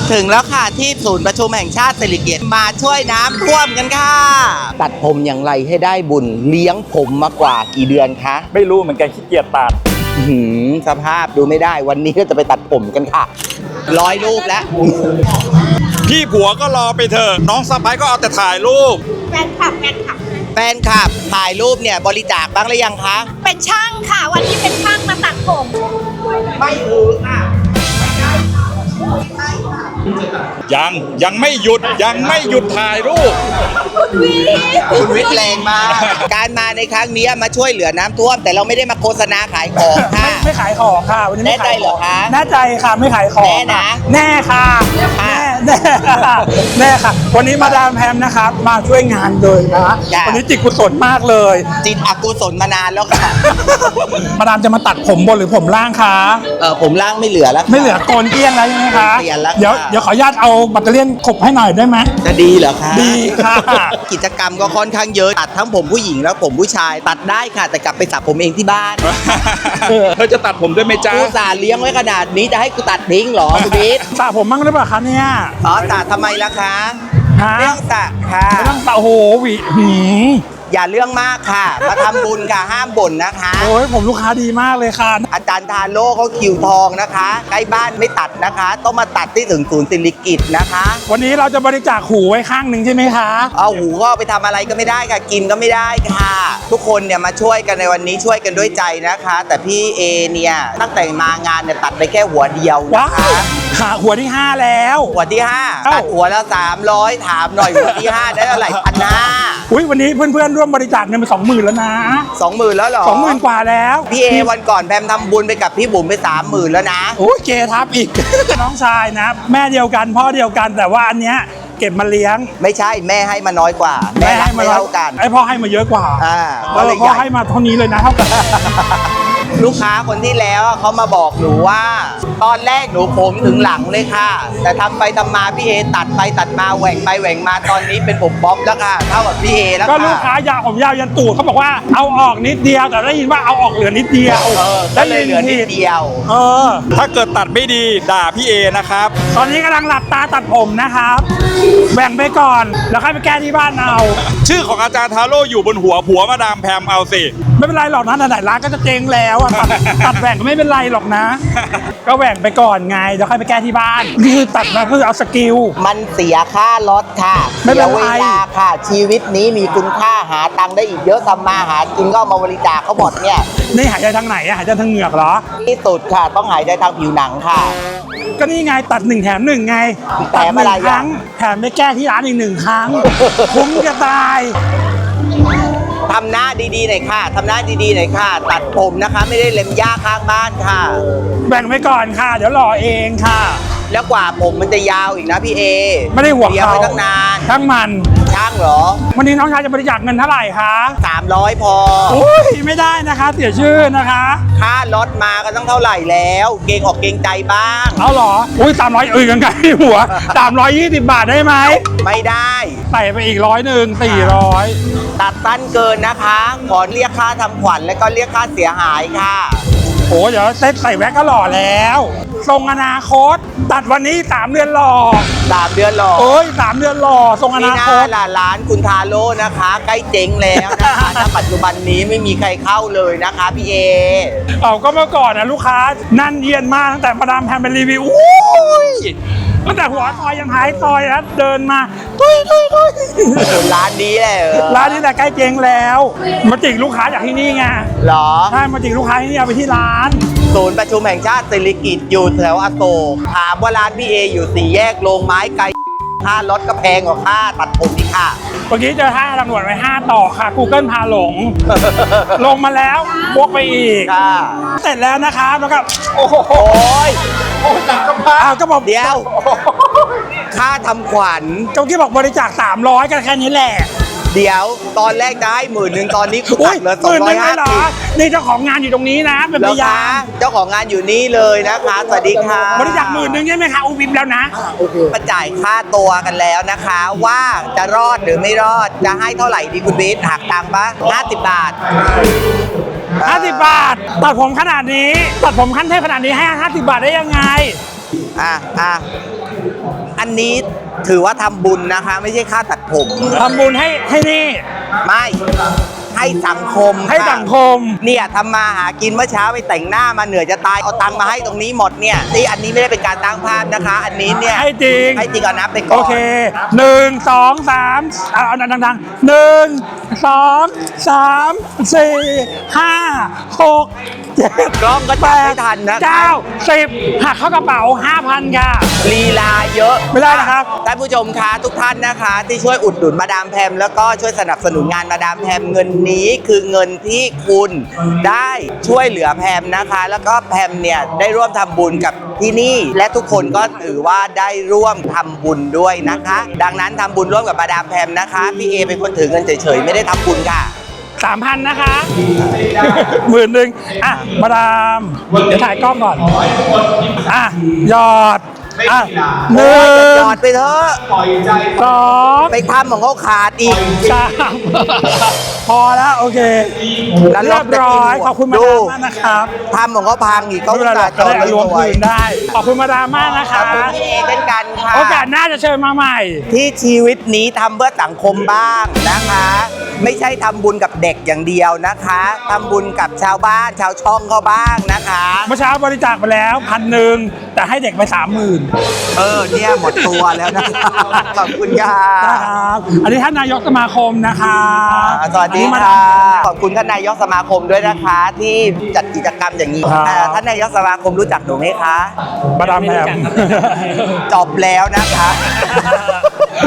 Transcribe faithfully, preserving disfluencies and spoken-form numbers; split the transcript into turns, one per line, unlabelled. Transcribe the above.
ถึงแล้วค่ะที่ศูนย์ประชุมแห่งชาติสิริกิติ์มาช่วยน้ำท่วมกันค่ะตัดผมอย่างไรให้ได้บุญเลี้ยงผมมากว่ากี่เดือนคะ
ไม่รู้เหมือนกันขี้เกียจตัด
หืมสภาพดูไม่ได้วันนี้ก็จะไปตัดผมกันค่ะร้อยรูปแล้ว
พี่ผัวก็รอไปเถอะน้องสะใภ้ก็เอาแต่ถ่ายรูป
แฟนคลับแฟนคลับ
แฟนคลับถ่ายรูปเนี่ยบริจาคบ้างหรือยังคะ
เป็นช่างค่ะวันนี้เป็นช่างมาตัดผม
ไม่ถือค่ะ
ยังยังไม่หยุดยังไม่หยุดถ่ายรูป
คุณวิทย์แรงมากการมาในครั้งนี้มาช่วยเหลือน้ำท่วมแต่เราไม่ได้มาโฆษณาขายของค่ะ
ไม่ขายของค่ะวันนี้
แน่ใจเหรอคะ
แน่ใจค่ะไม่ขายของ
แน่นะ
แน่ค่ะแน่แน่แน่ค่ะวันนี้มาดามแพมนะครับมาช่วยงานเลยนะวันนี้จิตกุศลมากเลย
จิตอกุศลมานานแล้วค่ะ
มาดามจะมาตัดผมบนหรือผมล่างคะ
เออผมล่างไม่เหลือแล้ว
ไม่เหลือโกนเกลี้ยงแล้วใช่ไหมคะ
เปลี่ยนแล้ว
เดี๋ยวเดี๋ยวขออนุญาตเอาแบตเตอรี่ขบให้หน่อยได้ไหม
จะดีเหรอคะ
ดีค่ะ
กิจกรรมก็ค่อนข้างเยอะตัดทั้งผมผู้หญิงแล้วผมผู้ชายตัดได้ค่ะแต่กลับไปสระผมเองที่บ้าน
เธอจะตัดผมด้วยไหมจ๊ะ
กูสาเลี้ยงไว้ขนาดนี้จะให้กูตัดทิ้งเหรอคุณบิ๊ก
สระผมมั่งหรือเปล่าคะเนี่ย
อ๋อสระทำไมล่ะคะ
ไม่
ต้องสระค่ะ
ไม่ต้องสระโอ้โหหวีหืม
อย่าเรื่องมากค่ะมาทำบุญค่ะห้ามบ่นนะคะ
โอ้ยผมลูกค้าดีมากเลยค่ะ
อาจารย์ทาโร่เขาคิวทองนะคะใกล้บ้านไม่ตัดนะคะต้องมาตัดที่ถึงศูนย์สิริกิติ์นะคะ
วันนี้เราจะบริจาคหูไว้ข้างหนึ่งใช่ไหมคะ
เอาหูก็ไปทำอะไรก็ไม่ได้ค่ะกินก็ไม่ได้ค่ะทุกคนเนี่ยมาช่วยกันในวันนี้ช่วยกันด้วยใจนะคะแต่พี่เอเนี่ยตั้งแต่มางานเนี่ยตัดไปแค่หัวเดียวนะคะ
ค่ะหัวที่ห้าแล้ว
หัวที่ห้าตัดหัวแล้วสามร้อยถามหน่อยหัวที่ห้าได้เท่าไหร่พันห้า
อุ้ยวันนี้เพื่อนๆร่วมบริจาคเงินไปสองหมื่นแล้วนะ
สองหมื่นแล้วเหรอ
สองหมื่นกว่าแล้ว
พี่เอวันก่อนแพมทำบุญไปกับพี่บุ๋มไปสามหมื่นแล้วนะ
โอ้ยเกทับอีกน้องชายนะแม่เดียวกันพ่อเดียวกันแต่ว่าอันเนี้ยเก็บมาเลี้ยง
ไม่ใช่แม่ให้มาน้อยกว่าแม่ให้มาเท่ากัน
ไอพ่อให้มาเยอะกว่า
อ่า
พ่อให้มาเท่านี้เลยนะเท่ากัน
ลูกค้าคนที่แล้วเขามาบอกหนูว่าตอนแรกหนูผมถึงหลังเลยค่ะแต่ทำไปทำมาพี่เอตัดไปตัดมาแหว่งไปแหว่งมาตอนนี้เป็นผมบ๊อบแล้วค่ะเท่ากับพี่เอแล้วค่ะ
ก็ลูกค้ายาวผมยาวยันตูดเขาบอกว่าเอาออกนิดเดียวแต่ได้ยินว่าเอาออกเหลือนิดเดียว
ได้เลยเหลือนิดเดียว
เออ
ถ้าเกิดตัดไม่ดีด่าพี่เอนะครับ
ตอนนี้กำลังหลับตาตัดผมนะครับแบ่งไปก่อนแล้วค่อยไปแก้ที่บ้านเอา
ชื่อของอาจารย์ทาโร่อยู่บนหัวผัวมาดามแพมเอาสิ
ไม่เป็นไรหรอกนะไหนร้านก็จะเจ๊งแล้วอะตัดแหว่งก็ไม่เป็นไรหรอกนะก็แหว่งไปก่อนไงเดี๋ยวค่อยไปแก้ที่บ้านนี่คือตัดมาคือเอาสกิล
มันเสียค่ารถค่ะ
ไม่เป็นไร
เวลาค่ะชีวิตนี้มีคุณค่าหาตังค์ได้อีกเยอะทำมาหากินก็มาบริจาคเขาหมดเนี่ย
นี่หายใจทางไหนอะหายใจทางเหงือกเหรอ
ที่สุดค่ะต้องหายใจทางผิวหนังค่ะ
ก็นี่ไงตัดหนึ่งแถมหนึ่งไง
ตัดหนึ่ง
ครั้งแถมไปแก้ที่ร้านอีกหนึ่งครั้งคุ้มจะตาย
ทำหน้าดีๆหน่อยค่ะทำหน้าดีๆหน่อยค่ะตัดผมนะคะไม่ได้เล็มหญ้าข้างบ้านค่ะ
แบ่งไว้ก่อนค่ะเดี๋ยวรอเองค่ะ
แล้วกว่าผมมันจะยาวอีกนะพี่เอ
ไม่ได้ห่วงเขา
ไว้ตั้งนาน
ช่างมัน
ช่างเหรอ
วันนี้น้องชายจะบริจาคเงินเท่าไหร่คะ
สามร้อยพอ
โอ้ยไม่ได้นะคะเสียชื่อนะคะ
ค่ารถมาก็ต้องเท่าไหร่แล้วเกรงออกเกรงใจบ้าง
เอาเหรออุ้ยสามร้อยเอ้ยกันไกลหัวสามร้อยยี่สิบบาทได้ไหม
ไม่ได้
ใส่ไปอีกร้อยหนึ่งสี่ร้อย
ตัดสั้นเกินนะคะขอเรียกค่าทำขวัญและก็เรียกค่าเสียหายค่ะ
โอ้เดี๋ยวเซ็ตใส่แว็กก็หล่อแล้วทรงอนาคตตัดวันนี้สามเดือนหล่อ
สามเดือนหล่อ
โอ้ยสามเดือนหล่อทรงอนาคต
นี่นะร้านคุณทาโร่นะคะใกล้เจ๊งแล้วนะคะณปัจจุบันนี้ไม่มีใครเข้าเลยนะคะพี่เอ
เอาก็เมื่อก่อนนะลูกค้านั่นเยียนมากตั้งแต่มาดามแพมเป็นรีวิวอุ้ยตั้งแต่หัวซอยยังท้ายซอยนะเดินมาตุ้ยตุ้ยตุ้ย
ร้านนี้แหละ
ร้านนี้แต่ใกล้เจ๊งแล้วมาจิกลูกค้าจากที่นี่ไง
หรอ
ใช่มาจิกลูกค้าที่นี่เอาไปที่ร้าน
ศูนย์ประชุมแห่งชาติสิริกิติ์อยู่แถวอโศกถามว่าร้านพี่เออยู่สี่แยกโรงไม้ไกลค่ารถก็แพงกว่าค่าตัดผมอีกค่ะ
เมื่อกี้เจอท่าตำรวจไว้ห้าต่อค่ะ Google พาหลงลงมาแล้วบวกไปอีกเสร็จแล้วนะคะแล้วก็
โอ้โห
โอ้หนักกระเพาะ
ก็บอกเดียวค่าทำขวัญ
เจ้ากี้บอกบริจาคสามร้อยกันแค่นี้แหละ
เดี๋ยวตอนแรกได้หมื่นหนึ่งตอนนี้คุณตัดเหลือสองร้อยห้าสิบ
นี่เจ้าของงานอยู่ตรงนี้นะเป็นพยาน
เจ้าของงานอยู่นี่เลยนะคะสวัสดีค่ะ
บริจาคหมื่นหนึ่งใช่ไหมคะอุบิมแล้วนะ
มาจ่ายค่าตัวกันแล้วนะคะว่าจะรอดหรือไม่รอดจะให้เท่าไหร่ดีคุณบิ๊กหักตังค์ปะห้าสิบบาท
ห้าสิบบาทตัดผมขนาดนี้ตัดผมขั้นเทพขนาดนี้ให้ห้าสิบบาทได้ยังไง
อ่ะอ่ะอันนี้ถือว่าทำบุญนะคะ ไม่ใช่ค่าตัดผม
ทำบุญให้ให้นี่
ไม่ให้สังคม
ให้
ค่ะ
สังคม
เนี่ยทำมาหากินเมื่อเช้าไปแต่งหน้ามาเหนื่อยจะตายเอาตังค์มาให้ตรงนี้หมดเนี่ยนี่อันนี้ไม่ได้เป็นการตั้งภาพนะคะ อันนี้เนี่ย
ให้จริง
ให้จริงเอานับไปก่อน
โอเคหนึ่งสองสามเอาเอาดังๆหนึ่งสองสามสี่ห้าหกเจ็ด
กล้องก็จับไม่ทันนะคะ
เก้าสิบหักเข้ากระเป๋าห้าพันค่ะ
ลีลาเยอะ
ไม่ได้นะครับ
ท่านผู้ชมคะทุกท่านนะคะ ที่ช่วยอุดหนุนมาดามแพมแล้วก็ช่วยสนับสนุนงานมาดามแพมเงินนี้คือเงินที่คุณได้ช่วยเหลือแพมนะคะ แล้วก็แพมเนี่ยได้ร่วมทำบุญกับที่นี่ และทุกคนก็ถือว่าได้ร่วมทำบุญด้วยนะคะ ดังนั้นทำบุญร่วมกับมาดามแพมนะคะพี่เอเป็นคนถือเงินเฉยๆไม่ได้ทำบุญค่ะ
สามพันนะคะหมื่นหนึ่งอ่ะมาดามเดี๋ยวถ่ายกล้องก่อน อ่ะหยอด อ่ะหนึ่
หย
ง
อดไปเถอะ
สอง
ไปทำของเขาขาดอีก
สามพอแล้ว โอเค
แล้ว
เรียบร้อย
เราจะกินหมด
ขอบคุณมา
ดู
ดามมากนะครับ
ทำของเขาพังอีกเขา
ไม่เป็นไรหรอก
จ
จะ
อด
ได้
ไว้
รวม
สวย
คืนได้ ขอบคุณมาดามมากนะ
ข
คะ
อบคุณพี่เอเช่นกันค่ะ
โอกาสหน้าจะเชิญมาใหม่
ที่ชีวิตนี้ทำเพื่อสังคมบ้างนะคะ ไม่ใช่ทำบุญกับเด็กอย่างเดียวนะคะทำบุญกับชาวบ้านชาวช่องเขาบ้างนะคะ
เมื่อเช้าบริจาคไปแล้วพันหนึ่งแต่ให้เด็กไปสามหมื่น
เออเนี่ยหมดตัวแล้วนะคะ ขอบคุณค่ะ
นะครับ อันนี้ท่านนายกสมาคมนะคะ
อ่าสวัสดี
อันนี้มา
ค่ะ
ดาม
ขอบคุณท่านนายกสมาคมด้วยนะคะ ที่จัดกิจกรรมอย่างนี้
ครับ
อ่าท่านนายกสมาคมรู้จักหนูไหมคะ
มาดามแพม
จบแล้วนะคะ